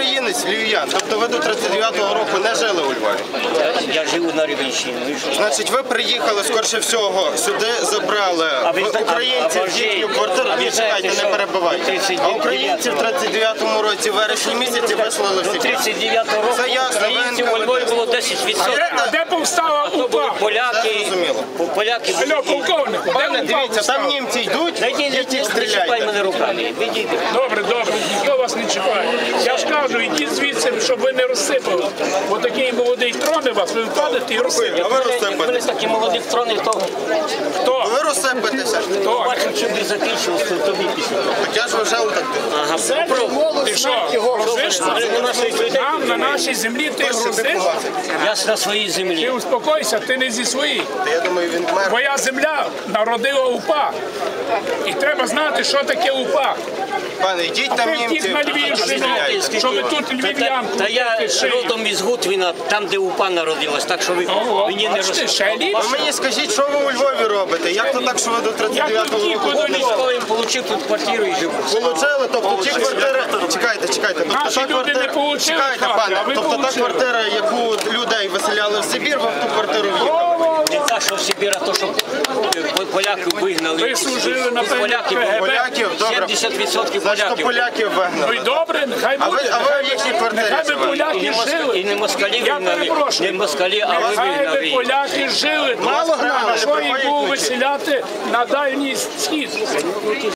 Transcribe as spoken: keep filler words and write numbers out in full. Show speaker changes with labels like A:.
A: українець, львів'ян. Тобто ви до тридцять дев'ятого року не жили у Львові?
B: Я, я живу на Рівненщині.
A: Значить, ви приїхали, скорше всього, сюди забрали в українців їхню квартиру. Ні, чекайте, не перебивайте. А українців в тридцять дев'ятому році, в вересні місяці, вислали всі.
B: До тридцять дев'ятого року українців у Львові було десять відсотків.
C: А де повстала УПА?
B: Поляки, поляки
C: Алло, полковнику,
A: Пане,
C: де
A: дивіться,
C: УПА
A: там
C: повстала?
A: німці йдуть,
B: не
A: їдіть
B: чіпай
A: стріляйте.
B: мене руками. Відійди.
C: Добре, добре, ніхто вас не чіпає. Я ж кажу, ідіть звідси, щоб ви не розсипали. Бо такий молодий троне вас, ви впадете і
A: А
C: розсипете.
A: ви
B: Коли
A: розсипаєтеся.
B: такі молоді трони, то
C: Хто?
A: Ви розсипаєтеся.
C: Хто?
B: бачу, що не закінчилось, то тобі після.
A: Так я ж вже так.
B: Ага,
C: Ти що, грузиш? Там, на нашій землі, ти грузиш?
B: я ж на своїй
C: Ти
B: землі.
C: успокойся, ти не зі своїх.
A: Я думаю, він мер.
C: Твоя земля народила УПА. І треба знати, що таке УПА.
A: Пане, йдіть там
C: Ви втік
A: німці,
C: на Львівщину,
A: стріляйте.
C: що ви тут львів'янку.
B: Та я
C: будете шиї.
B: родом із Гутвіна, там, де УПА народилась, так що ви
C: Ого,
B: мені не
C: бачите, ще
B: розповідайте.
A: Ви мені скажіть, що ви у Львові робите? Як то так, що ви до тридцять дев'ятого
C: Я тут
A: року
C: тільки
A: були?
B: Я отримав тут квартиру і живу.
A: Получили, тобто ті квартири... Чекайте, чекайте. Тобто
C: Наші
A: та
C: люди не
A: квартира...
C: получили
A: Чекайте,
C: хати,
A: пане.
C: а ви
A: Тобто та
C: получили.
A: квартира, яку людей виселяли в Сибір, ви в ту квартиру в'їхали.
B: Не та, що в Сибір, а то, що поляків вигнали.
C: Ви служили на
B: Із поляків,
C: КГБ.
A: Поляків, добре.
B: сімдесят відсотків
A: Значить, то
B: поляків.
A: поляків
C: Ну
A: вигнали.
C: і добре, нехай
A: А ви,
C: буде.
A: а ви в їхній квартирі
C: Нехай би
A: живете?
B: І
C: поляки
B: не, москалі,
C: жили.
B: і не москалі
C: Я
B: вигнали,
C: перепрошую.
B: не москалі, а ви
C: Нехай би
B: вигнали.
C: поляки жили.
A: Мало гнали,
C: А що їм
A: приходять
C: було
A: вночі.
C: виселяти на Дальній Схід?